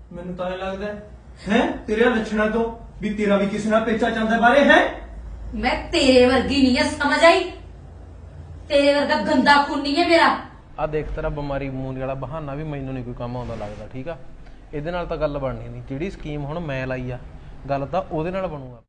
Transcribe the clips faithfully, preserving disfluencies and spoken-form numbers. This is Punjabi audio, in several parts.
ਮੈਨੂੰ ਤਾਂ ਇਹ ਲੱਗਦਾ ਹੈ ਤੇਰੇ ਲੱਛਣਾਂ ਤੋਂ ਵੀ ਤੇਰਾ ਵੀ ਕਿਸੇ ਨਾਲ ਪੇਚਾ ਚੱਲਦਾ ਬਾਰੇ ਹੈ। ਮੈਂ ਤੇਰੇ ਵਰਗੀ ਨਹੀਂ ਹੈ, ਸਮਝ ਆਈ? ਤੇਰੇ ਵਰਗਾ ਗੰਦਾ ਖੂਨ ਨਹੀਂ ਹੈ ਮੇਰਾ। ਆ ਦੇਖ ਤੇਰਾ ਬਿਮਾਰੀ ਬਮੂਰੀ ਵਾਲਾ ਬਹਾਨਾ ਵੀ ਮੈਨੂੰ ਨਹੀਂ ਕੋਈ ਕੰਮ ਆਉਂਦਾ ਲੱਗਦਾ, ਠੀਕ ਆ? ਇਹਦੇ ਨਾਲ ਤਾਂ ਗੱਲ ਬਣਨੀ ਨਹੀਂ। ਜਿਹੜੀ ਸਕੀਮ ਹੁਣ ਮੈਂ ਲਾਈ ਆ, ਗੱਲ ਤਾਂ ਉਹਦੇ ਨਾਲ ਬਣੂਗਾ।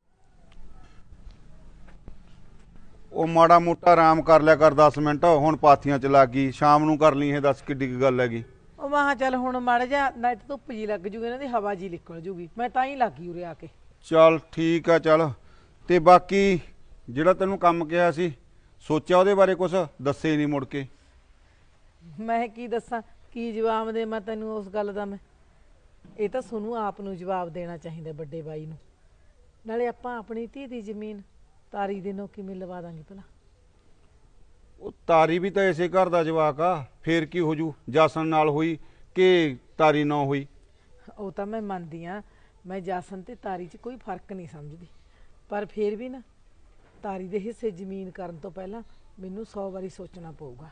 ਉਹ ਮਾੜਾ ਮੋਟਾ ਆਰਾਮ ਕਰ ਲਿਆ ਕਰ ਦਸ ਮਿੰਟ, ਹੁਣ ਪਾਥੀਆਂ ਚ ਲੱਗ ਗਈ। ਸ਼ਾਮ ਨੂੰ ਕਰ ਲਈ ਇਹ, ਦੱਸ ਕਿੱਡੀ ਕੀ ਗੱਲ ਹੈਗੀ। ਉਹ ਮੈਂ ਕਿਹਾ ਚੱਲ ਹੁਣ ਮਾੜਾ ਜਿਹਾ ਨੈਟ ਧੁੱਪ ਜੀ ਲੱਗ ਜੂਗੀ, ਇਹਨਾਂ ਦੀ ਹਵਾ ਜੀ ਨਿਕਲ ਜੂਗੀ, ਮੈਂ ਤਾਂ ਹੀ ਲੱਗ ਗਈ ਉਰੇ ਆ ਕੇ। ਚੱਲ ਠੀਕ ਆ। ਚੱਲ ਤੇ ਬਾਕੀ ਜਿਹੜਾ ਤੈਨੂੰ ਕੰਮ ਕਿਹਾ ਸੀ, ਸੋਚਿਆ ਉਹਦੇ ਬਾਰੇ ਕੁਛ? ਦੱਸੇ ਨਹੀਂ ਮੁੜ ਕੇ। ਮੈਂ ਕੀ ਦੱਸਾਂ, ਕੀ ਜਵਾਬ ਦੇ ਮੈਂ ਤੈਨੂੰ ਉਸ ਗੱਲ ਦਾ। ਮੈਂ ਇਹ ਤਾਂ ਤੁਹਾਨੂੰ ਆਪ ਨੂੰ ਜਵਾਬ ਦੇਣਾ ਚਾਹੀਦਾ, ਵੱਡੇ ਬਾਈ ਨੂੰ। ਨਾਲੇ ਆਪਾਂ ਆਪਣੀ ਧੀ ਦੀ ਜ਼ਮੀਨ ਤਾਰੀ ਦੇ ਨੋ ਕਿਵੇਂ ਲਵਾ ਦਾਂਗੇ ਭਲਾ? ਉਹ ਤਾਰੀ ਵੀ ਤਾਂ ਇਸੇ ਘਰ ਦਾ ਜਵਾਕ ਆ, ਫੇਰ ਕੀ ਹੋ ਜੂ? ਜਾਸਨ ਨਾਲ ਹੋਈ ਕਿ ਤਾਰੀ ਨਾ ਹੋਈ? ਉਹ ਤਾਂ ਮੈਂ ਮੰਨਦੀ ਆ, ਮੈਂ ਜਾਸਨ ਤੇ ਤਾਰੀ 'ਚ ਕੋਈ ਫਰਕ ਨਹੀਂ ਸਮਝਦੀ, ਪਰ ਫੇਰ ਵੀ ਨਾ ਤਾਰੀ ਦੇ ਹਿੱਸੇ ਜ਼ਮੀਨ ਕਰਨ ਤੋਂ ਪਹਿਲਾਂ ਮੈਨੂੰ ਸੌ ਵਾਰੀ ਸੋਚਣਾ ਪਊਗਾ।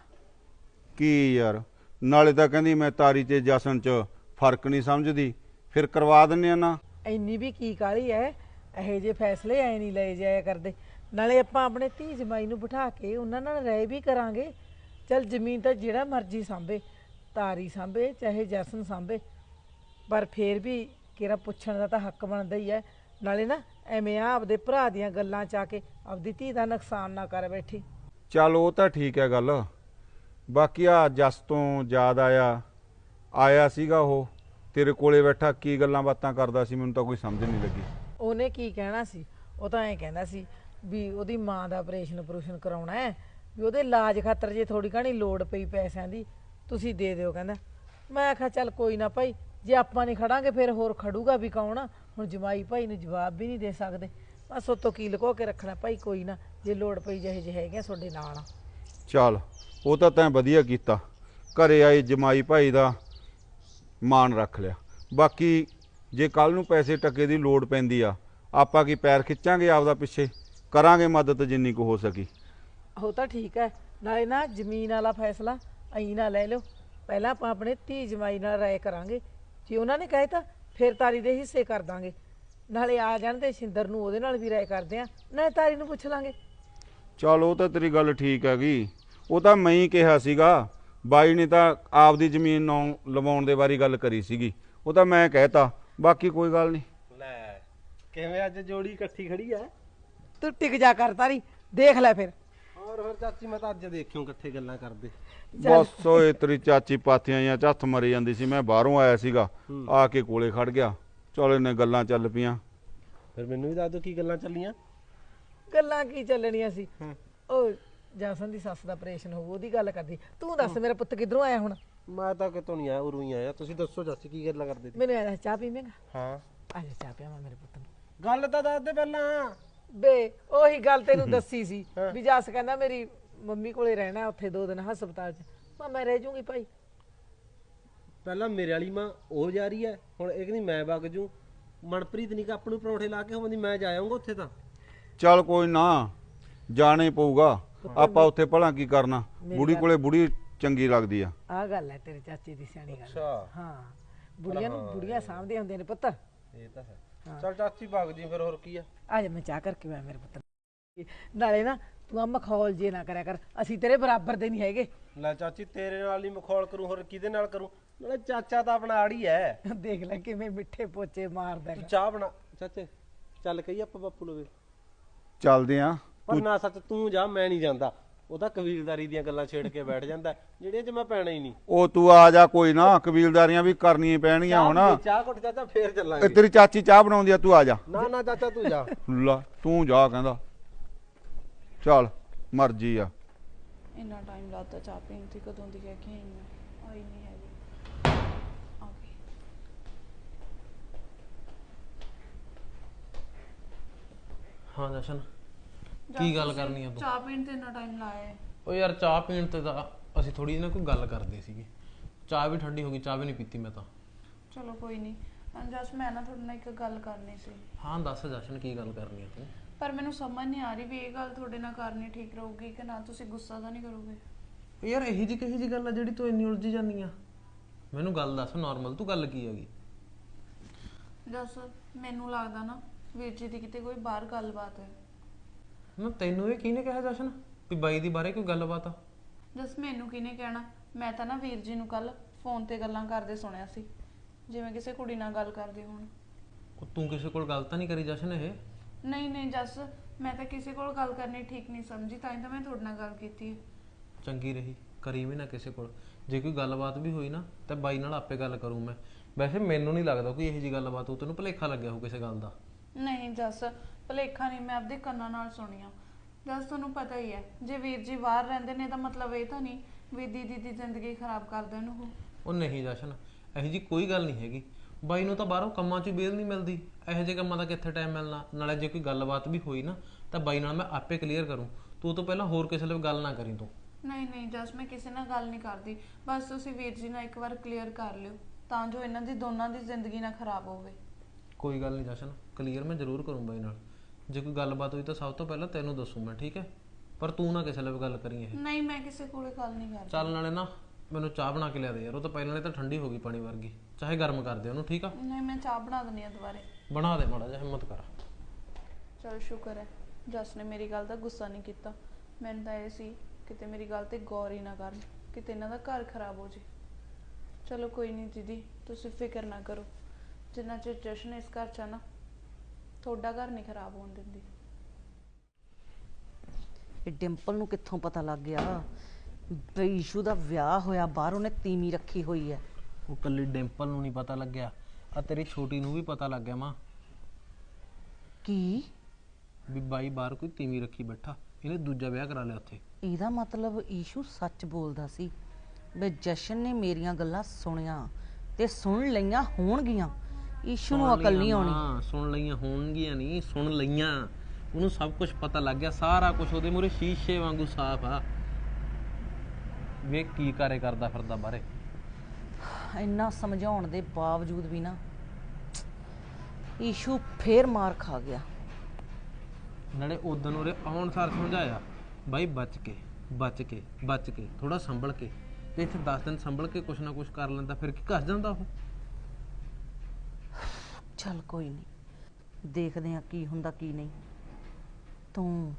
ਕੀ ਯਾਰ, ਨਾਲੇ ਤਾਂ ਕਹਿੰਦੀ ਮੈਂ ਤਾਰੀ ਤੇ ਜਾਸਨ 'ਚ ਫਰਕ ਨਹੀਂ ਸਮਝਦੀ, ਫਿਰ ਕਰਵਾ ਦਿੰਨੇ ਆ ਨਾ। ਇੰਨੀ ਵੀ ਕੀ ਕਾਹਲੀ ਐ, ਇਹੋ ਜਿਹੇ ਫੈਸਲੇ ਐ ਨਹੀਂ ਲਏ ਜਾਇਆ ਕਰਦੇ। ਨਾਲੇ ਆਪਾਂ ਆਪਣੇ ਧੀ ਜਮਾਈ ਨੂੰ ਬਿਠਾ ਕੇ ਉਹਨਾਂ ਨਾਲ ਰਹਿ ਵੀ ਕਰਾਂਗੇ। ਚੱਲ ਜ਼ਮੀਨ ਤਾਂ ਜਿਹੜਾ ਮਰਜ਼ੀ ਸਾਂਭੇ, ਤਾਰੀ ਸਾਂਭੇ ਚਾਹੇ ਜਸਨ ਸਾਂਭੇ, ਪਰ ਫੇਰ ਵੀ ਕਿਹੜਾ ਪੁੱਛਣ ਦਾ ਤਾਂ ਹੱਕ ਬਣਦਾ ਹੀ ਹੈ। ਨਾਲੇ ਨਾ ਐਵੇਂ ਆ ਆਪਦੇ ਭਰਾ ਦੀਆਂ ਗੱਲਾਂ 'ਚ ਆ ਕੇ ਆਪਦੀ ਧੀ ਦਾ ਨੁਕਸਾਨ ਨਾ ਕਰ ਬੈਠੀ। ਚੱਲ ਉਹ ਤਾਂ ਠੀਕ ਹੈ ਗੱਲ। ਬਾਕੀ ਆ ਜਸ ਤੋਂ ਯਾਦ ਆਇਆ ਆਇਆ ਸੀਗਾ ਉਹ ਤੇਰੇ ਕੋਲੇ ਬੈਠਾ, ਕੀ ਗੱਲਾਂ ਬਾਤਾਂ ਕਰਦਾ ਸੀ, ਮੈਨੂੰ ਤਾਂ ਕੋਈ ਸਮਝ ਨਹੀਂ ਲੱਗੀ। ਉਹਨੇ ਕੀ ਕਹਿਣਾ ਸੀ? ਉਹ ਤਾਂ ਐਂ ਕਹਿੰਦਾ ਸੀ ਵੀ ਉਹਦੀ ਮਾਂ ਦਾ ਆਪਰੇਸ਼ਨ ਆਪਰੇਸ਼ਨ ਕਰਾਉਣਾ ਹੈ, ਵੀ ਉਹਦੇ ਇਲਾਜ ਖਾਤਰ ਜੇ ਥੋੜੀ ਘਣੀ ਲੋੜ ਪਈ ਪੈਸਿਆਂ ਦੀ ਤੁਸੀਂ ਦੇ ਦਿਓ। ਕਹਿੰਦਾ ਮੈਂ ਆਖਿਆ ਚੱਲ ਕੋਈ ਨਾ ਭਾਈ, ਜੇ ਆਪਾਂ ਨਹੀਂ ਖੜਾਂਗੇ ਫਿਰ ਹੋਰ ਖੜੂਗਾ ਵੀ ਕੌਣ? ਹੁਣ ਜਮਾਈ ਭਾਈ ਨੂੰ ਜਵਾਬ ਵੀ ਨਹੀਂ ਦੇ ਸਕਦੇ, ਬਸ ਉਤੋਂ ਕੀ ਲੁਕੋ ਕੇ ਰੱਖਣਾ। ਭਾਈ ਕੋਈ ਨਾ, ਜੇ ਲੋੜ ਪਈ ਜਿਹੇ ਜਿਹੇ ਹੈਗੇ ਤੁਹਾਡੇ ਨਾਲ ਆ। ਚੱਲ ਉਹ ਤਾਂ ਤੈਂ ਵਧੀਆ ਕੀਤਾ, ਘਰੇ ਆਏ ਜਮਾਈ ਭਾਈ ਦਾ ਮਾਣ ਰੱਖ ਲਿਆ। ਬਾਕੀ ਜੇ ਕੱਲ ਨੂੰ ਪੈਸੇ ਟਕੇ ਦੀ ਲੋੜ ਪੈਂਦੀ ਆ, ਆਪਾਂ ਕੀ ਪੈਰ ਖਿੱਚਾਂਗੇ ਆਪਦਾ ਪਿੱਛੇ? ਕਰਾਂਗੇ ਮਦਦ ਜਿੰਨੀ ਕੁ ਹੋ ਸਕੀ। ਉਹ ਤਾਂ ਠੀਕ ਹੈ। ਨਾਲੇ ਨਾ ਜ਼ਮੀਨ ਵਾਲਾ ਫੈਸਲਾ ਐਂ ਨਾ ਲੈ ਲਿਓ, ਪਹਿਲਾਂ ਆਪਾਂ ਆਪਣੇ ਧੀ ਜਮਾਈ ਨਾਲ ਰਾਏ ਕਰਾਂਗੇ। ਜੇ ਉਹਨਾਂ ਨੇ ਕਹੇ ਤਾਂ ਫਿਰ ਤਾਰੀ ਦੇ ਹਿੱਸੇ ਕਰ ਦਾਂਗੇ। ਨਾਲੇ ਆ ਜਾਣ ਤੇ ਸ਼ਿੰਦਰ ਨੂੰ ਉਹਦੇ ਨਾਲ ਵੀ ਰਾਏ ਕਰਦੇ ਆ, ਨਾਲੇ ਤਾਰੀ ਨੂੰ ਪੁੱਛ ਲਾਂਗੇ। ਚੱਲ ਉਹ ਤਾਂ ਤੇਰੀ ਗੱਲ ਠੀਕ ਹੈਗੀ। ਉਹ ਤਾਂ ਮੈਂ ਹੀ ਕਿਹਾ ਸੀਗਾ, ਬਾਈ ਨੇ ਤਾਂ ਆਪਦੀ ਜ਼ਮੀਨ ਨੂੰ ਲਵਾਉਣ ਦੇ ਬਾਰੇ ਗੱਲ ਕਰੀ ਸੀਗੀ, ਉਹ ਤਾਂ ਮੈਂ ਕਹਿਤਾ। ਬਾਕੀ ਕੋਈ ਗੱਲ ਨਹੀਂ। ਲੈ ਕਿਵੇਂ ਅੱਜ ਜੋੜੀ ਇਕੱਠੀ ਖੜੀ ਐ? ਤੂੰ ਟਿਕ ਜਾ ਕਰ ਤਾਰੀ, ਦੇਖ ਲੈ ਫਿਰ। ਹੋਰ ਹੋਰ ਚਾਚੀ, ਮੈਂ ਤਾਂ ਅੱਜ ਦੇਖਿਓ ਇਕੱਠੇ ਗੱਲਾਂ ਕਰਦੇ। ਬਸ ਓਏ ਤੇਰੀ ਚਾਚੀ ਪਾਥੀਆਂ ਜਾਂ ਝੱਥ ਮਰੀ ਜਾਂਦੀ ਸੀ, ਮੈਂ ਬਾਹਰੋਂ ਆਇਆ ਸੀਗਾ, ਆ ਕੇ ਕੋਲੇ ਖੜ ਗਿਆ। ਚਲ ਇਹਨੇ ਗੱਲਾਂ ਚੱਲ ਪਈਆਂ। ਫਿਰ ਮੈਨੂੰ ਵੀ ਦੱਸ ਦਿਓ ਕੀ ਗੱਲਾਂ ਚੱਲੀਆਂ। ਗੱਲਾਂ ਕੀ ਚੱਲਣੀਆਂ ਸੀ? ਉਹ ਜਾਸਨ ਦੀ ਸੱਸ ਦਾ ਆਪਰੇਸ਼ਨ ਹੋਊ, ਉਹਦੀ ਗੱਲ ਕਰਦੀ। ਤੂੰ ਦੱਸ ਮੇਰਾ ਪੁੱਤ ਕਿੱਧਰੋਂ ਆਇਆ ਹੁਣ? ਮੈਂ ਤਾਂ ਕਿਤੋਂ ਨਹੀਂ ਆਇਆ, ਉਰੋਂ ਹੀ ਆਇਆ। ਤੁਸੀਂ ਦੱਸੋ ਚਾਚੀ ਕੀ ਗੱਲਾਂ ਕਰਦੇ ਸੀ? ਮੈਨੂੰ ਐਂ ਦੱਸ, ਚਾਹ ਪੀਵੇਂਗਾ? ਹਾਂ ਆ ਜਾ ਚਾਹ ਪਿਆਵਾਂ ਮੇਰੇ ਪੁੱਤ ਨੂੰ। ਗੱਲ ਤਾਂ ਦੱਸ ਦੇ ਪਹਿਲਾਂ। ਬੇ ਉਹੀ ਗੱਲ ਤੈਨੂੰ ਦੱਸੀ ਸੀ ਵੀ ਜੱਸ ਕਹਿੰਦਾ ਮੇਰੀ ਮੰਮੀ ਕੋਲੇ ਰਹਿਣਾ ਉੱਥੇ ਦੋ ਦਿਨ ਹਸਪਤਾਲ 'ਚ। ਮੈਂ ਮੈਂ ਰਹਿ ਜੂੰਗੀ ਭਾਈ। ਪਹਿਲਾਂ ਮੇਰੇ ਵਾਲੀ ਮਾਂ ਉਹ ਜਾ ਰਹੀ ਹੈ, ਹੁਣ ਇਹ ਕਹਿੰਦੀ ਮੈਂ ਵਗ ਜੂ। ਮਨਪ੍ਰੀਤ ਨਹੀਂ ਕਿ ਆਪ ਨੂੰ ਪਰੌਂਠੇ ਲਾ ਕੇ ਹੋਵੰਦੀ, ਮੈਂ ਜਾ ਆਉਂਗਾ ਉੱਥੇ। ਤਾਂ ਚੱਲ ਕੋਈ ਨਾ, ਜਾਣਾ ਹੀ ਪਊਗਾ। ਆਪਾਂ ਉੱਥੇ ਭਲਾ ਕੀ ਕਰਨਾ, ਬੁੜੀ ਕੋਲੇ ਬੁੜੀ ਚੰਗੀ ਲੱਗਦੀ ਆ। ਆ ਗੱਲ ਹੈ ਤੇਰੇ ਚਾਚੇ ਦੀ ਸਿਆਣੀ ਗੱਲ। ਅੱਛਾ ਹਾਂ, ਬੁੜੀਆਂ ਨੂੰ ਬੁੜੀਆਂ ਸਾਂਭਦੇ ਹੁੰਦੇ ਨੇ ਪੁੱਤ। ਇਹ ਤਾਂ ਹੈ। ਚੱਲ ਚਾਚੀ ਵਗ ਜੀ ਫਿਰ, ਹੋਰ ਕੀ ਆ। ਆ ਜਾ ਮੈਂ ਚਾਹ ਕਰਕੇ ਮੈਂ ਮੇਰੇ ਪੁੱਤ ਨੂੰ। ਨਾਲੇ ਨਾ ਤੂੰ ਆ ਮਖੌਲ ਜੇ ਨਾ ਕਰਿਆ ਕਰ, ਅਸੀਂ ਤੇਰੇ ਬਰਾਬਰ ਦੇ ਨਹੀਂ ਹੈਗੇ। ਲੈ ਚਾਚੀ ਤੇਰੇ ਨਾਲ ਹੀ ਮਖੌਲ ਕਰੂੰ, ਹੋਰ ਕਿਹਦੇ ਨਾਲ ਕਰੂੰ? ਨਾਲੇ ਚਾਚਾ ਤਾਂ ਆਪਣਾ ਆੜੀ ਹੈ। ਦੇਖ ਲੈ ਕਿਵੇਂ ਮਿੱਠੇ ਪੋਚੇ ਮਾਰਦਾ ਤੂੰ ਹੈਗਾ। ਚਾਹ ਬਣਾ ਚਾਚੇ, ਚੱਲ ਕਹੀ ਆਪਾਂ ਬਾਪੂ ਲਵੇ। ਚੱਲਦੇ ਆ। ਪਰ ਨਾ ਸੱਚ ਤੂੰ ਜਾ, ਮੈਂ ਨਹੀਂ ਜਾਂਦਾ। ਉਹ ਤਾਂ ਕਬੀਲਦਾਰੀ ਦੀਆਂ ਗੱਲਾਂ ਛੇੜ ਕੇ ਬੈਠ ਜਾਂਦਾ, ਜਿਹੜੀਆਂ 'ਚ ਮੈਂ ਪੈਣਾ ਹੀ ਨਹੀਂ। ਉਹ ਤੂੰ ਆ ਜਾ, ਕੋਈ ਨਾ, ਕਬੀਲਦਾਰੀਆਂ ਵੀ ਕਰਨੀਆਂ ਪੈਣਗੀਆਂ ਹੁਣ। ਚਾਹ ਘੁੱਟ ਚਾਚਾ, ਫੇਰ ਚੱਲਾਂਗੇ। ਇਹ ਤੇਰੀ ਚਾਚੀ ਚਾਹ ਬਣਾਉਂਦੀ ਆ, ਤੂੰ ਆ ਜਾ। ਨਾ ਨਾ ਚਾਚਾ ਤੂੰ ਜਾ। ਲਾ ਤੂੰ ਜਾ ਕਹਿੰਦਾ। ਚੱਲ ਮਰਜ਼ੀ ਆ। ਇੰਨਾ ਟਾਈਮ ਲੱਗਦਾ ਚਾਹ ਪੀਣ ਤੇ, ਕਦੋਂ ਦੀ ਕਹਿ ਕੇ ਆਈ ਮੈਂ, ਆਈ ਨਹੀਂ ਹੈਗੀ। ਆ ਗਈ। ਹਾਂ ਜਸ਼ਨ, ਕੀ ਗੱਲ ਕਰਨੀ ਆ ਤੂੰ? ਚਾਹ ਪੀਣ ਤੇ ਇੰਨਾ ਟਾਈਮ ਲਾਇਆ? ਉਹ ਯਾਰ ਚਾਹ ਪੀਣ ਤੇ ਤਾਂ ਅਸੀਂ ਥੋੜੀ ਜਿਹੀ ਨਾ ਕੋਈ ਗੱਲ ਕਰਦੇ ਸੀਗੇ। ਚਾਹ ਵੀ ਠੰਡੀ ਹੋ ਗਈ, ਚਾਹ ਵੀ ਨਹੀਂ ਪੀਤੀ ਮੈਂ ਤਾਂ। ਚਲੋ ਕੋਈ ਨਹੀਂ। ਜਸ ਮੈਂ ਨਾ ਤੁਹਾਡੇ ਨਾਲ ਇੱਕ ਗੱਲ ਕਰਨੀ ਸੀ। ਹਾਂ ਦੱਸ ਜਸ਼ਨ, ਕੀ ਗੱਲ ਕਰਨੀ ਆ ਤੂੰ? ਪਰ ਮੈਨੂੰ ਸਮਝ ਨਹੀਂ ਆ ਰਹੀ ਵੀ ਇਹ ਗੱਲ ਤੁਹਾਡੇ ਨਾਲ ਕਰਨੀ ਠੀਕ ਰਹੂਗੀ ਕਿ ਨਾ। ਤੁਸੀਂ ਗੁੱਸਾ ਤਾਂ ਨਹੀਂ ਕਰੋਗੇ? ਯਾਰ ਇਹੀ ਜਿਹੀ ਕਹੀ ਜਿਹੀ ਗੱਲ ਆ ਜਿਹੜੀ ਤੂੰ ਇੰਨੀ ਉਲਝੀ ਜਾਂਦੀ ਆ? ਮੈਨੂੰ ਗੱਲ ਦੱਸ, ਨਾਰਮਲ ਤੂੰ ਗੱਲ ਕੀ ਹੈਗੀ? ਜਸ ਮੈਨੂੰ ਲੱਗਦਾ ਨਾ ਵੀਰ ਜੀ ਦੀ ਕਿਤੇ ਕੋਈ ਬਾਹਰ ਗੱਲਬਾਤ ਹੈ। ਨਾ ਤੈਨੂੰ ਇਹ ਕਿਹਨੇ ਕਿਹਾ ਜਸ਼ਨ ਵੀ ਬਾਈ ਦੀ ਬਾਰੇ ਕੋਈ ਗੱਲਬਾਤ ਆ? ਜਸ ਮੈਨੂੰ ਕਿਹਨੇ ਕਹਿਣਾ, ਮੈਂ ਤਾਂ ਨਾ ਵੀਰ ਜੀ ਨੂੰ ਕੱਲ ਫੋਨ ਤੇ ਗੱਲਾਂ ਕਰਦੇ ਸੁਣਿਆ ਸੀ, ਜਿਵੇਂ ਕਿਸੇ ਕੁੜੀ ਨਾਲ ਗੱਲ ਕਰਦੇ ਹੋਣ। ਉਹ ਤੂੰ ਕਿਸੇ ਕੋਲ ਗੱਲ ਤਾਂ ਨਹੀਂ ਕਰੀ ਜਸ਼ਨ? ਇਹ ਨਹੀਂ ਨਹੀਂ ਜਸ, ਮੈਂ ਤਾਂ ਕਿਸੇ ਕੋਲ ਗੱਲ ਕਰਨੀ ਠੀਕ ਨਹੀਂ ਸਮਝੀ, ਤਾਂ ਹੀ ਤਾਂ ਮੈਂ ਤੁਹਾਡੇ ਨਾਲ ਗੱਲ ਕੀਤੀ ਹੈ। ਚੰਗੀ ਰਹੀ, ਕਰੀ ਵੀ ਨਾ ਕਿਸੇ ਕੋਲ। ਜੇ ਕੋਈ ਗੱਲਬਾਤ ਵੀ ਹੋਈ ਨਾ ਤਾਂ ਬਾਈ ਨਾਲ ਆਪੇ ਗੱਲ ਕਰੂੰ ਮੈਂ। ਵੈਸੇ ਮੈਨੂੰ ਨਹੀਂ ਲੱਗਦਾ ਕੋਈ ਇਹੋ ਜਿਹੀ ਗੱਲਬਾਤ ਹੋ, ਤੈਨੂੰ ਭੁਲੇਖਾ ਲੱਗਿਆ ਹੋ ਕਿਸੇ ਗੱਲ ਦਾ। ਨਹੀਂ ਜਸ, ਭੁਲੇਖਾ ਨਹੀਂ, ਮੈਂ ਆਪਦੇ ਕੰਨਾਂ ਨਾਲ ਸੁਣੀਆਂ। ਜਸ ਤੁਹਾਨੂੰ ਪਤਾ ਹੀ ਹੈ, ਜੇ ਵੀਰ ਜੀ ਬਾਹਰ ਰਹਿੰਦੇ ਨੇ ਤਾਂ ਮਤਲਬ ਇਹ ਤਾਂ ਨਹੀਂ ਵੀ ਦੀਦੀ ਦੀ ਜ਼ਿੰਦਗੀ ਖਰਾਬ ਕਰ ਦੇਣ ਉਹ। ਉਹ ਨਹੀਂ ਜਸ਼ਨ, ਇਹੋ ਜਿਹੀ ਕੋਈ ਗੱਲ ਨਹੀਂ ਹੈਗੀ। ਬਾਈ ਨੂੰ ਤਾਂ ਬਾਹਰੋਂ ਕੰਮਾਂ 'ਚ ਬੇਲ ਨਹੀਂ ਮਿਲਦੀ, ਇਹੋ ਜਿਹੇ ਕੰਮਾਂ ਦਾ ਕਿੱਥੇ ਟਾਈਮ ਮਿਲਣਾ। ਨਾਲੇ ਜੇ ਕੋਈ ਗੱਲਬਾਤ ਵੀ ਹੋਈ ਨਾ ਤਾਂ ਬਾਈ ਨਾਲ ਮੈਂ ਆਪੇ ਕਲੀਅਰ ਕਰੂੰ। ਤੂੰ ਤੋਂ ਪਹਿਲਾਂ ਹੋਰ ਕਿਸੇ ਨਾਲ ਗੱਲ ਨਾ ਕਰੀ ਤੂੰ। ਨਹੀਂ ਨਹੀਂ ਜਸ, ਮੈਂ ਕਿਸੇ ਨਾਲ ਗੱਲ ਨਹੀਂ ਕਰਦੀ, ਬਸ ਤੁਸੀਂ ਵੀਰ ਜੀ ਨਾਲ ਇੱਕ ਵਾਰ ਕਲੀਅਰ ਕਰ ਲਿਓ ਤਾਂ ਜੋ ਇਹਨਾਂ ਦੀ ਦੋਨਾਂ ਦੀ ਜ਼ਿੰਦਗੀ ਨਾ ਖਰਾਬ ਹੋਵੇ। ਕੋਈ ਗੱਲ ਨਹੀਂ ਜਸ਼ਨ, ਕਲੀਅਰ ਮੈਂ ਜ਼ਰੂਰ ਕਰੂੰ ਬਾਈ ਨਾਲ। ਜੇ ਕੋਈ ਗੱਲਬਾਤ ਹੋਈ ਤਾਂ ਸਭ ਤੋਂ ਪਹਿਲਾਂ ਤੈਨੂੰ ਦੱਸੂ ਮੈਂ, ਠੀਕ ਹੈ? ਪਰ ਤੂੰ ਨਾ ਕਿਸੇ ਨਾਲ ਗੱਲ ਕਰੀ ਇਹ। ਨਹੀਂ ਮੈਂ ਕਿਸੇ ਕੋਲੇ ਗੱਲ ਨਹੀਂ ਕਰਦੀ। ਚੱਲ ਨਾਲੇ ਨਾ ਮੈਨੂੰ ਚਾਹ ਬਣਾ ਕੇ ਲਿਆ ਦੇ ਯਾਰ, ਉਹ ਤਾਂ ਪਹਿਲਾਂ ਨੇ ਤਾਂ ਠੰਡੀ ਹੋ ਗਈ ਪਾਣੀ ਵਰਗੀ। ਚਾਹੇ ਗਰਮ ਕਰ ਦੇ ਉਹਨੂੰ, ਠੀਕ ਆ? ਨਹੀਂ ਮੈਂ ਚਾਹ ਬਣਾ ਦਿੰਦੀ ਆ ਦੁਬਾਰੇ। ਬਣਾ ਦੇ, ਮਾੜਾ ਜਿਹਾ ਹਿੰਮਤ ਕਰ। ਚਲ ਸ਼ੁਕਰ ਹੈ ਜਸ ਨੇ ਮੇਰੀ ਗੱਲ ਦਾ ਗੁੱਸਾ ਨਹੀਂ ਕੀਤਾ। ਮੈਨੂੰ ਤਾਂ ਇਹ ਸੀ ਕਿਤੇ ਮੇਰੀ ਗੱਲ ਤੇ ਗੌਰ ਹੀ ਨਾ ਕਰਨ, ਕਿਤੇ ਇਹਨਾਂ ਦਾ ਘਰ ਖਰਾਬ ਹੋ ਜੇ। ਚਲੋ ਕੋਈ ਨਹੀਂ ਦੀਦੀ, ਤੁਸੀਂ ਫਿਕਰ ਨਾ ਕਰੋ, ਜਿੰਨਾ ਚਿਰ ਜਸ਼ਨ ਇਸ ਘਰ 'ਚ ਆ ਨਾ ਤੁਹਾਡਾ ਘਰ ਨਹੀਂ ਖਰਾਬ ਹੋਣ ਦਿੰਦੀ। ਇਹ ਡਿੰਪਲ ਨੂੰ ਕਿੱਥੋਂ ਪਤਾ ਲੱਗ ਗਿਆ ਬਈ ਈਸ਼ੂ ਦਾ ਵਿਆਹ ਹੋਇਆ, ਬਾਹਰ ਉਹਨੇ ਤੀਵੀਂ ਰੱਖੀ ਹੋਈ ਹੈ? ਉਹ ਕੱਲੀ ਡਿੰਪਲ ਨੂੰ ਨਹੀਂ ਪਤਾ ਲੱਗਿਆ, ਆ ਤੇਰੀ ਛੋਟੀ ਨੂੰ ਵੀ ਪਤਾ ਲੱਗ ਗਿਆ ਮਾਂ। ਕੀ? ਵੀ ਬਾਈ ਬਾਹਰ ਕੋਈ ਤੀਵੀਂ ਰੱਖੀ ਬੈਠਾ, ਇਹਨੇ ਦੂਜਾ ਵਿਆਹ ਕਰਾ ਲਿਆ ਉੱਥੇ। ਇਹਦਾ ਮਤਲਬ ਈਸ਼ੂ ਸੱਚ ਬੋਲਦਾ ਸੀ ਬਈ ਜਸ਼ਨ ਨੇ ਮੇਰੀਆਂ ਗੱਲਾਂ ਸੁਣੀਆਂ ਤੇ ਸੁਣ ਲਈਆਂ ਹੋਣਗੀਆਂ। ਈਸ਼ੂ ਨੂੰ ਅਕਲ ਨਹੀਂ ਆਉਣੀ। ਹਾਂ, ਸੁਣ ਲਈਆਂ ਹੋਣਗੀਆਂ ਨਹੀਂ, ਸੁਣ ਲਈਆਂ। ਉਹਨੂੰ ਸਭ ਕੁਝ ਪਤਾ ਲੱਗ ਗਿਆ, ਸਾਰਾ ਕੁਝ ਉਹਦੇ ਮੂਹਰੇ ਸ਼ੀਸ਼ੇ ਵਾਂਗੂ ਸਾਫ਼ ਆ। ਵੇਖ ਕੀ ਕਾਰੇ ਕਰਦਾ ਫਿਰਦਾ ਬਾਹਰੇ। ਇੰਨਾ ਸਮਝਾਉਣ ਦੇ ਬਾਵਜੂਦ ਵੀ ਨਾ ਈਸ਼ੂ ਫੇਰ ਮਾਰ ਖਾ ਗਿਆ। ਨਾਲੇ ਉਦੋਂ ਉਹਦੇ ਆਉਣ ਸਾਰ ਸਮਝਾਇਆ, ਬਾਈ ਬਚ ਕੇ ਬਚ ਕੇ ਬਚ ਕੇ ਥੋੜਾ ਸੰਭਲ ਕੇ, ਤੇ ਇੱਥੇ ਦਸ ਦਿਨ ਸੰਭਲ ਕੇ ਕੁਛ ਨਾ ਕੁਛ ਕਰ ਲੈਂਦਾ, ਫਿਰ ਕੀ ਕਰ ਜਾਂਦਾ ਉਹ। ਚੱਲ ਕੋਈ ਨਹੀਂ, ਦੇਖਦੇ ਆ ਕੀ ਹੁੰਦਾ ਕੀ ਨਹੀਂ। ਤੂੰ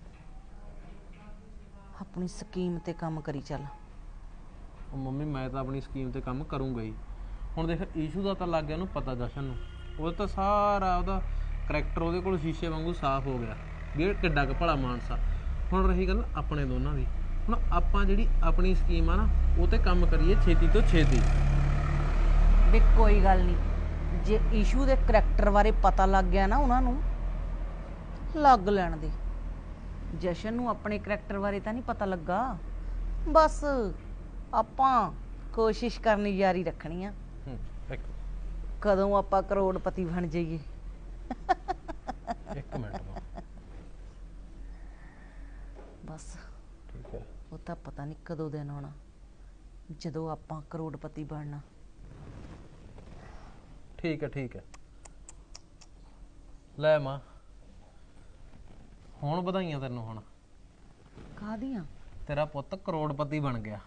ਆਪਣੀ ਸਕੀਮ ਤੇ ਕੰਮ ਕਰੀ ਚੱਲ। ਉਹ ਮੰਮੀ ਮੈਂ ਤਾਂ ਆਪਣੀ ਸਕੀਮ ਤੇ ਕੰਮ ਕਰੂੰਗਾ ਹੀ। ਹੁਣ ਦੇਖ ਈਸ਼ੂ ਦਾ ਤਾਂ ਲੱਗ ਗਿਆ ਉਹਨੂੰ ਪਤਾ, ਜਸ਼ਨ ਨੂੰ ਉਹ ਤਾਂ ਸਾਰਾ ਉਹਦਾ ਕਰੈਕਟਰ ਉਹਦੇ ਕੋਲ ਸ਼ੀਸ਼ੇ ਵਾਂਗੂ ਸਾਫ਼ ਹੋ ਗਿਆ ਵੀ ਇਹ ਕਿੱਡਾ ਕੁ ਭਲਾ ਮਾਨਸਾ। ਹੁਣ ਰਹੀ ਗੱਲ ਆਪਣੇ ਦੋਨਾਂ ਦੀ, ਹੁਣ ਆਪਾਂ ਜਿਹੜੀ ਆਪਣੀ ਸਕੀਮ ਆ ਨਾ ਉਹ ਤੇ ਕੰਮ ਕਰੀਏ ਛੇਤੀ ਤੋਂ ਛੇਤੀ। ਵੀ ਕੋਈ ਗੱਲ ਨਹੀਂ, ਜੇ ਈਸ਼ੂ ਦੇ ਕਰੈਕਟਰ ਬਾਰੇ ਪਤਾ ਲੱਗ ਗਿਆ ਨਾ ਉਹਨਾਂ ਨੂੰ, ਲੱਗ ਲੈਣ ਦੇ। ਜਸ਼ਨ ਨੂੰ ਆਪਣੇ ਕਰੈਕਟਰ ਬਾਰੇ ਤਾਂ ਨਹੀਂ ਪਤਾ ਲੱਗਾ, ਬਸ ਆਪਾਂ ਕੋਸ਼ਿਸ਼ ਕਰਨੀ ਜਾਰੀ ਰੱਖਣੀ ਆ। ਇੱਕ ਕਦੋਂ ਆਪਾਂ ਕਰੋੜਪਤੀ ਬਣ ਜਾਈਏ। ਇੱਕ ਮਿੰਟ ਮਾਂ, ਬਸ ਠੀਕ ਹੈ? ਉਹ ਤਾਂ ਪਤਾ ਨਹੀਂ ਕਦੋਂ ਦਿਨ ਆਉਣਾ ਜਦੋਂ ਆਪਾਂ ਕਰੋੜਪਤੀ ਬਣਨਾ। ਠੀਕ ਹੈ ਠੀਕ ਹੈ। ਲੈ ਮਾਂ, ਹੁਣ ਵਧਾਈਆਂ ਤੈਨੂੰ। ਹੁਣ ਕਾਹਦੀਆਂ? ਤੇਰਾ ਪੁੱਤ ਕਰੋੜਪਤੀ ਬਣ ਗਿਆ।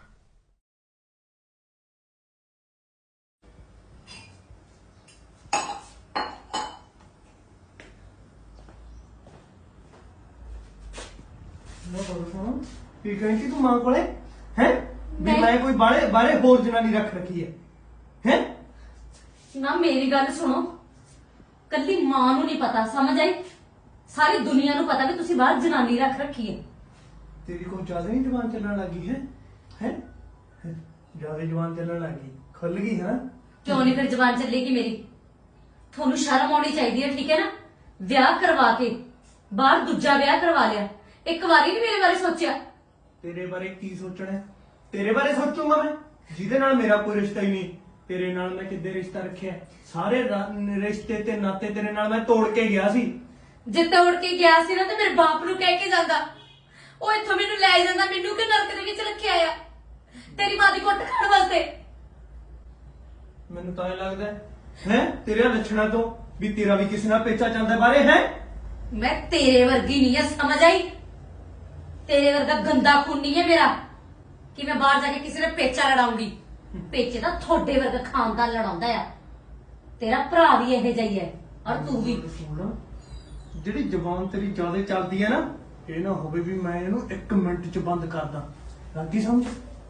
ਮੈਂ ਬੋਲ ਸੁਣ, ਕੀ ਕਹਿੰਦੀ ਤੂੰ ਮਾਂ ਕੋਲੇ ਹੈ? ਵੀ ਨਹੀਂ। ਮੈਂ ਕੋਈ ਬਾਰੇ ਬਾਰੇ ਹੋਰ ਜਨਾਨੀ ਰੱਖ ਰੱਖੀ ਹੈ ਹੈ? ਨਾ ਮੇਰੀ ਗੱਲ ਸੁਣੋ, ਕੱਲੀ ਮਾਂ ਨੂੰ ਨਹੀਂ ਪਤਾ, ਸਮਝ ਆਈ? ਸਾਰੀ ਦੁਨੀਆ ਨੂੰ ਪਤਾ ਵੀ ਤੁਸੀਂ ਬਾਹਰ ਜਨਾਨੀ ਰੱਖ ਰੱਖੀ ਹੈ। ਤੇਰੀ ਕੋਈ ਜ਼ਿਆਦਾ ਨਹੀਂ ਜ਼ੁਬਾਨ ਚੱਲਣ ਲੱਗੀ ਹੈ ਹੈ? ਜ਼ਿਆਦਾ ਜ਼ੁਬਾਨ ਚੱਲਣ ਲੱਗੀ, ਖੁੱਲ ਗਈ ਹੈ ਨਾ? ਕਿਉਂ ਨਹੀਂ ਫਿਰ ਜ਼ਬਾਨ ਚੱਲੇਗੀ ਮੇਰੀ? ਤੁਹਾਨੂੰ ਸ਼ਰਮ ਆਉਣੀ ਚਾਹੀਦੀ ਹੈ, ਠੀਕ ਹੈ ਨਾ? ਵਿਆਹ ਕਰਵਾ ਕੇ ਬਾਹਰ ਦੂਜਾ ਵਿਆਹ ਕਰਵਾ ਲਿਆ, ਇੱਕ ਵਾਰੀ ਨਹੀਂ ਮੇਰੇ ਬਾਰੇ ਸੋਚਿਆ। ਤੇਰੇ ਬਾਰੇ ਕੀ ਸੋਚਣਾ ਹੈ? ਤੇਰੇ ਬਾਰੇ ਸੋਚੂਗਾ ਮੈਂ, ਜਿਹਦੇ ਨਾਲ ਮੇਰਾ ਕੋਈ ਰਿਸ਼ਤਾ ਹੀ ਨਹੀਂ। ਤੇਰੇ ਨਾਲ ਮੈਂ ਕਿੱਦੇ ਰਿਸ਼ਤਾ ਰੱਖਿਆ? ਸਾਰੇ ਰਾ- ਰਿਸ਼ਤੇ ਤੇ ਨਾਤੇ ਤੇਰੇ ਨਾਲ ਮੈਂ ਤੋੜ ਕੇ ਗਿਆ ਸੀ। ਜੇ ਤੋੜ ਕੇ ਗਿਆ ਸੀ ਨਾ ਤੇ ਮੇਰੇ ਬਾਪ ਨੂੰ ਕਹਿ ਕੇ ਜਾਂਦਾ, ਉਹ ਇੱਥੋਂ ਮੈਨੂੰ ਲੈ ਜਾਂਦਾ, ਮੈਨੂੰ ਕਿ ਨਰਕ ਦੇ ਵਿੱਚ ਰੱਖਿਆ ਆ ਤੇਰੀ ਮਾਂ ਦੀ ਕੁੱਟ ਖਾਣ ਵਾਸਤੇ। ਮੈਨੂੰ ਤਾਂ ਇਹ ਲੱਗਦਾ ਹੈ ਹੈ ਤੇਰੇ ਲੱਛਣਾਂ ਤੋਂ ਵੀ ਤੇਰਾ ਵੀ ਕਿਸੇ ਨਾਲ ਪੇਚਾ ਚੱਲਦਾ ਬਾਰੇ ਹੈ। ਮੈਂ ਤੇਰੇ ਵਰਗੀ ਨਹੀਂ ਆ, ਸਮਝ ਆਈ? ਤੇਰੇ ਵਰਗਾ ਗੰਦਾ ਖੂਨ ਨਹੀਂ ਹੈ ਮੇਰਾ ਕਿ ਮੈਂ ਬਾਹਰ ਜਾ ਕੇ ਕਿਸੇ ਨਾਲ ਪੇਚਾ ਲੜਾਉਂਗੀ। ਪੇਚੇ ਤਾਂ ਤੁਹਾਡੇ ਵਰਗਾ ਖਾਨਦਾਨ ਲੜਾਉਂਦਾ ਆ, ਤੇਰਾ ਭਰਾ ਵੀ ਇਹੋ ਜਿਹਾ ਹੀ ਹੈ। ਔਰ ਤੂੰ ਵੀ ਸੁਣ, ਜਿਹੜੀ ਜ਼ਬਾਨ ਤੇਰੀ ਜ਼ਿਆਦਾ ਚੱਲਦੀ ਹੈ ਨਾ, ਇਹ ਨਾ ਹੋਵੇ ਵੀ ਮੈਂ ਇਹਨੂੰ ਇੱਕ ਮਿੰਟ ਚ ਬੰਦ ਕਰਦਾ। ਲੱਗੀ ਸਮਝ?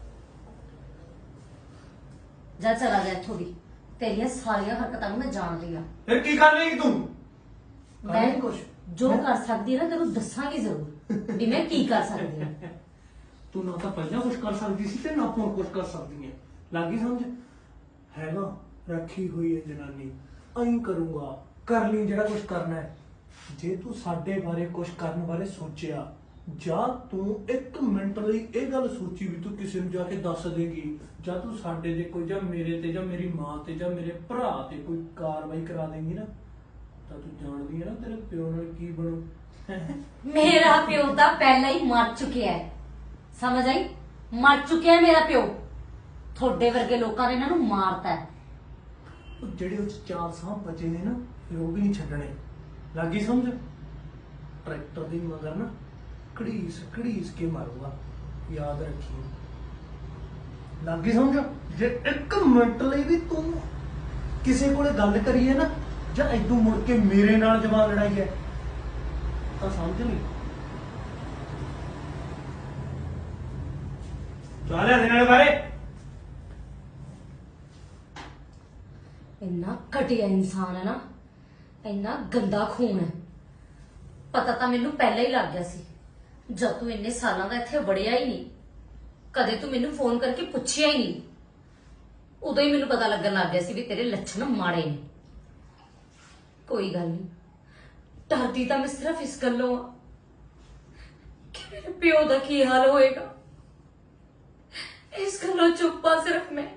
ਜਾ ਚਲਾ ਜਾ ਇੱਥੋਂ ਦੀ। ਤੇਰੀਆਂ ਸਾਰੀਆਂ ਹਰਕਤਾਂ ਨੂੰ ਮੈਂ ਜਾਣਦੀ ਆ। ਫਿਰ ਕੀ ਕਰ ਲੇਗੀ ਤੂੰ? ਕਰ ਮੈਂ ਲੇਗੀ ਕੁਛ? ਜੋ ਕਰ ਸਕਦੀ ਨਾ ਤੈਨੂੰ ਦੱਸਾਂਗੀ ਜ਼ਰੂਰ ਵੀ ਮੈਂ ਕੀ ਕਰ ਸਕਦੀ ਹਾਂ। ਤੂੰ ਨਾ ਤਾਂ ਪਹਿਲਾਂ ਕੁਛ ਕਰ ਸਕਦੀ ਸੀ ਤੇ ਨਾ ਹੁਣ ਕੁਛ ਕਰ ਸਕਦੀ ਹੈ। ਲੱਗੀ ਸਮਝ? ਹੈਗਾ ਰੱਖੀ ਹੋਈ ਹੈ ਜਨਾਨੀ, ਐਂ ਕਰੂੰਗਾ, ਕਰ ਲਈ ਜਿਹੜਾ ਕੁਛ ਕਰਨਾ ਹੈ। ਜੇ ਤੂੰ ਸਾਡੇ ਬਾਰੇ ਕੁਛ ਕਰਨ ਬਾਰੇ ਸੋਚਿਆ, ਜਾਂ ਤੂੰ ਇੱਕ ਮਿੰਟ ਲਈ ਇਹ ਗੱਲ ਸੋਚੀ ਵੀ ਤੂੰ ਕਿਸੇ ਨੂੰ ਜਾ ਕੇ ਦੱਸ ਦੇਗੀ, ਜਾਂ ਤੂੰ ਸਾਡੇ ਤੇ ਕੋਈ, ਜਾਂ ਮੇਰੇ ਤੇ, ਜਾਂ ਮੇਰੀ ਮਾਂ ਤੇ, ਜਾਂ ਮੇਰੇ ਭਰਾ ਤੇ ਕੋਈ ਕਾਰਵਾਈ ਕਰਾ ਦੇਂਗੀ ਨਾ, ਤਾਂ ਤੂੰ ਜਾਣਦੀ ਹੈ ਨਾ ਤੇਰੇ ਪਿਓ ਨਾਲ ਕੀ ਬਣੂ। ਮੇਰਾ ਪਿਓ ਤਾਂ ਪਹਿਲਾਂ ਹੀ ਮਰ ਚੁੱਕਿਆ ਹੈ, ਸਮਝ ਆਈ? ਮਰ ਚੁੱਕਿਆ ਹੈ ਮੇਰਾ ਪਿਓ। ਤੁਹਾਡੇ ਵਰਗੇ ਲੋਕਾਂ ਨੇ ਇਹਨਾਂ ਨੂੰ ਮਾਰਤਾ ਹੈ। ਉਹ ਜਿਹੜੇ ਉਹ 'ਚ ਚਾਰ ਸਾਹ ਬਚੇ ਨੇ ਨਾ, ਫਿਰ ਉਹ ਵੀ ਨਹੀਂ ਛੱਡਣੇ। ਲੱਗੀ ਸਮਝ? ਟਰੈਕਟਰ ਦੀ ਮਗਰ ਨਾ ਘੜੀਸ ਘੜੀਸ ਕੇ ਮਾਰੂਗਾ, ਯਾਦ ਰੱਖੀ। ਲੱਗੀ ਸਮਝ? ਜੇ ਇੱਕ ਮਿੰਟ ਲਈ ਵੀ ਤੂੰ ਕਿਸੇ ਕੋਲੇ ਗੱਲ ਕਰੀ ਹੈ ਨਾ, ਜਾਂ ਇਦੋਂ ਮੁੜ ਕੇ ਮੇਰੇ ਨਾਲ ਜਵਾਨ ਲੜਾਈ ਹੈ, ਤਾਂ ਸਮਝ ਲਈ ਚਾਹ ਲਿਆ ਦੇਣ ਵਾਲੇ ਬਾਰੇ। ਇੰਨਾ ਘਟੀਆ ਇਨਸਾਨ ਹੈ ਨਾ, ਇੰਨਾ ਗੰਦਾ ਖੂਨ ਹੈ। ਪਤਾ ਤਾਂ ਮੈਨੂੰ ਪਹਿਲਾਂ ਹੀ ਲੱਗ ਗਿਆ ਸੀ, ਜਦ ਤੂੰ ਇੰਨੇ ਸਾਲਾਂ ਦਾ ਇੱਥੇ ਵੜਿਆ ਹੀ ਨਹੀਂ, ਕਦੇ ਤੂੰ ਮੈਨੂੰ ਫੋਨ ਕਰਕੇ ਪੁੱਛਿਆ ਹੀ ਨਹੀਂ, ਉਦੋਂ ਹੀ ਮੈਨੂੰ ਪਤਾ ਲੱਗਣ ਲੱਗ ਗਿਆ ਸੀ ਵੀ ਤੇਰੇ ਲੱਛਣ ਮਾੜੇ ਨੇ। ਕੋਈ ਗੱਲ ਨਹੀਂ, ਡਰਦੀ ਤਾਂ ਮੈਂ ਸਿਰਫ ਇਸ ਗੱਲੋਂ ਆ ਕਿ ਮੇਰੇ ਪਿਓ ਦਾ ਕੀ ਹਾਲ ਹੋਏਗਾ। ਇਸ ਗੱਲੋਂ ਚੁੱਪ ਆ ਸਿਰਫ ਮੈਂ।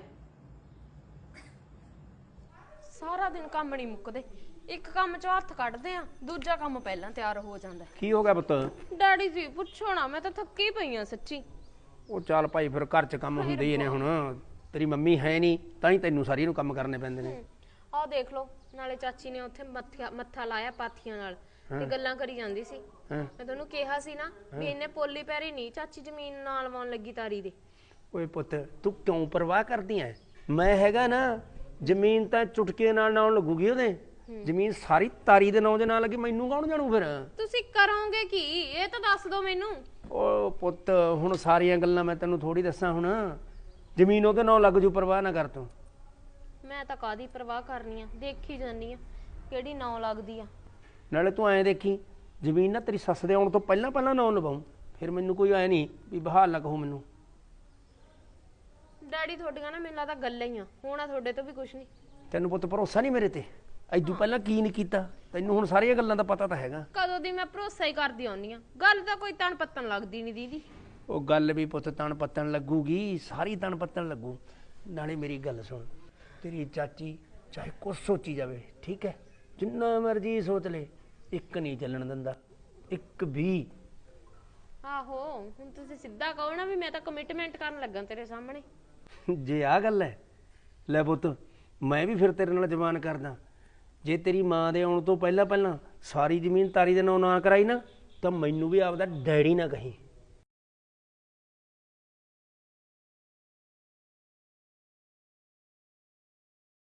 ਸਾਰਾ ਦਿਨ ਕੰਮ ਨਹੀਂ ਮੁੱਕਦੇ, ਇੱਕ ਕੰਮ ਚੋਂ ਹੱਥ ਕੱਢਦੇ ਆ, ਦੂਜਾ ਕੰਮ ਪਹਿਲਾਂ ਤਿਆਰ ਹੋ ਜਾਂਦਾ। ਕੀ ਹੋ ਗਿਆ ਪੁੱਤ? ਡੈਡੀ ਜੀ ਪੁੱਛੋ ਨਾ, ਮੈਂ ਤਾਂ ਥੱਕੀ ਪਈ ਆ ਸੱਚੀ। ਉਹ ਚੱਲ ਭਾਈ ਫਿਰ ਘਰ 'ਚ ਕੰਮ ਹੁੰਦੇ ਹੀ ਨੇ। ਹੁਣ ਤੇਰੀ ਮੰਮੀ ਹੈ ਨਹੀਂ, ਤਾਂ ਹੀ ਤੈਨੂੰ ਸਾਰੀ ਨੂੰ ਕੰਮ ਕਰਨੇ ਪੈਂਦੇ ਨੇ। ਆਹ ਦੇਖ ਲਓ, ਨਾਲੇ ਚਾਚੀ ਨੇ ਉੱਥੇ ਮੱਥਾ ਮੱਥਾ ਲਾਇਆ ਪਾਥੀਆਂ ਨਾਲ ਤੇ ਗੱਲਾਂ ਕਰੀ ਜਾਂਦੀ ਸੀ। ਮੈਂ ਤੁਹਾਨੂੰ ਕਿਹਾ ਸੀ ਨਾ ਵੀ ਇਹਨੇ ਪੋਲੀ ਪੈਰੀ ਨਹੀਂ ਚਾਚੀ ਜ਼ਮੀਨ ਨਾਲ ਵਾਉਣ ਲੱਗੀ ਤਾਰੀ ਦੇ। ਓਏ ਪੁੱਤ ਤੂੰ ਕਿਉਂ ਪਰਵਾਹ ਕਰਦੀ ਐ? ਮੈਂ ਹੈਗਾ ਨਾ, ਜ਼ਮੀਨ ਤਾਂ ਚੁਟਕੇ ਨਾਲ ਨਾਲ ਲੱਗੂਗੀ ਉਹਦੇ। ਜ਼ਮੀਨ ਸਾਰੀ ਤਾਰੀ ਦੇ ਨਾਂ ਦੇ ਨਾਲ ਲੱਗੀ, ਮੈਨੂੰ ਕੌਣ ਜਾਣੂ ਫਿਰ? ਤੁਸੀਂ ਕਰੋਗੇ ਕੀ ਇਹ ਤਾਂ ਦੱਸ ਦਿਓ ਮੈਨੂੰ। ਓ ਪੁੱਤ ਹੁਣ ਸਾਰੀਆਂ ਗੱਲਾਂ ਮੈਂ ਤੈਨੂੰ ਥੋੜੀ ਦੱਸਾਂ। ਹੁਣ ਜ਼ਮੀਨ ਉਹਦੇ ਨਾਂ ਲੱਗ ਜੂ, ਪਰਵਾਹ ਨਾ ਕਰ ਤੂੰ। ਮੈਂ ਤਾਂ ਕਾਦੀ ਪਰਵਾਹ ਕਰਨੀ ਆ, ਦੇਖੀ ਜਾਨੀ ਆ ਕਿਹੜੀ ਨਾਂ ਲੱਗਦੀ ਆ। ਨਾਲੇ ਤੂੰ ਐਂ ਦੇਖੀ, ਜ਼ਮੀਨ ਨਾ ਤੇਰੀ ਸੱਸ ਦੇ ਆਉਣ ਤੋਂ ਪਹਿਲਾਂ ਪਹਿਲਾਂ ਨਾਂ ਲਵਾਉਂ, ਫਿਰ ਮੈਨੂੰ ਕੋਈ ਐ ਨਹੀਂ ਵੀ ਬਹਾਲ ਨਾ ਕਹੋ ਮੈਨੂੰ। ਡੈਡੀ ਤੁਹਾਡੀਆਂ ਨਾ ਮੈਨੂੰ ਲੱਗਦਾ ਗੱਲਾਂ ਹੀ ਆ, ਹੋਣਾ ਤੁਹਾਡੇ ਤੋਂ ਵੀ ਕੁਝ ਨਹੀਂ। ਤੈਨੂੰ ਪੁੱਤ ਭਰੋਸਾ ਨਹੀਂ ਮੇਰੇ ਤੇ? ਐਦੂ ਪਹਿਲਾਂ ਕੀ ਨਹੀਂ ਕੀਤਾ ਤੈਨੂੰ? ਹੁਣ ਸਾਰੀਆਂ ਗੱਲਾਂ ਦਾ ਪਤਾ ਤਾਂ ਹੈਗਾ। ਕਦੋਂ ਦੀ ਮੈਂ ਭਰੋਸਾ ਹੀ ਕਰਦੀ ਆਉਣੀ ਆ, ਗੱਲ ਤਾਂ ਕੋਈ ਤਣ ਪੱਤਣ ਲੱਗਦੀ ਨਹੀਂ ਦੀਦੀ। ਉਹ ਗੱਲ ਵੀ ਪੁੱਤ ਤਣ ਪੱਤਣ ਲੱਗੂਗੀ, ਸਾਰੀ ਤਣ ਪੱਤਣ ਲੱਗੂ। ਨਾਲੇ ਮੇਰੀ ਗੱਲ ਸੁਣ, ਤੇਰੀ ਚਾਚੀ ਚਾਹੇ ਕੁਛ ਸੋਚੀ ਜਾਵੇ, ਠੀਕ ਹੈ, ਜਿੰਨਾ ਮਰਜ਼ੀ ਸੋਚ ਲੈ, ਇੱਕ ਨਹੀਂ ਚੱਲਣ ਦਿੰਦਾ, ਇੱਕ ਵੀ। ਆਹੋ ਹੁਣ ਤੁਸੀਂ ਸਿੱਧਾ ਕਹੋ ਨਾ ਵੀ ਮੈਂ ਤਾਂ ਕਮਿਟਮੈਂਟ ਕਰਨ ਲੱਗਾ ਤੇਰੇ ਸਾਹਮਣੇ। ਜੇ ਆਹ ਗੱਲ ਹੈ, ਲੈ ਪੁੱਤ ਮੈਂ ਵੀ ਫਿਰ ਤੇਰੇ ਨਾਲ ਜ਼ਬਾਨ ਕਰਦਾ। ਜੇ ਤੇਰੀ ਮਾਂ ਦੇ ਆਉਣ ਤੋਂ ਪਹਿਲਾਂ ਪਹਿਲਾਂ ਸਾਰੀ ਜ਼ਮੀਨ ਤਾਰੀ ਦੇ ਨਾਂ ਨਾ ਕਰਾਈ ਨਾ, ਤਾਂ ਮੈਨੂੰ ਵੀ ਆਪਦਾ ਡੈਡੀ ਨਾ ਕਹੀਂ।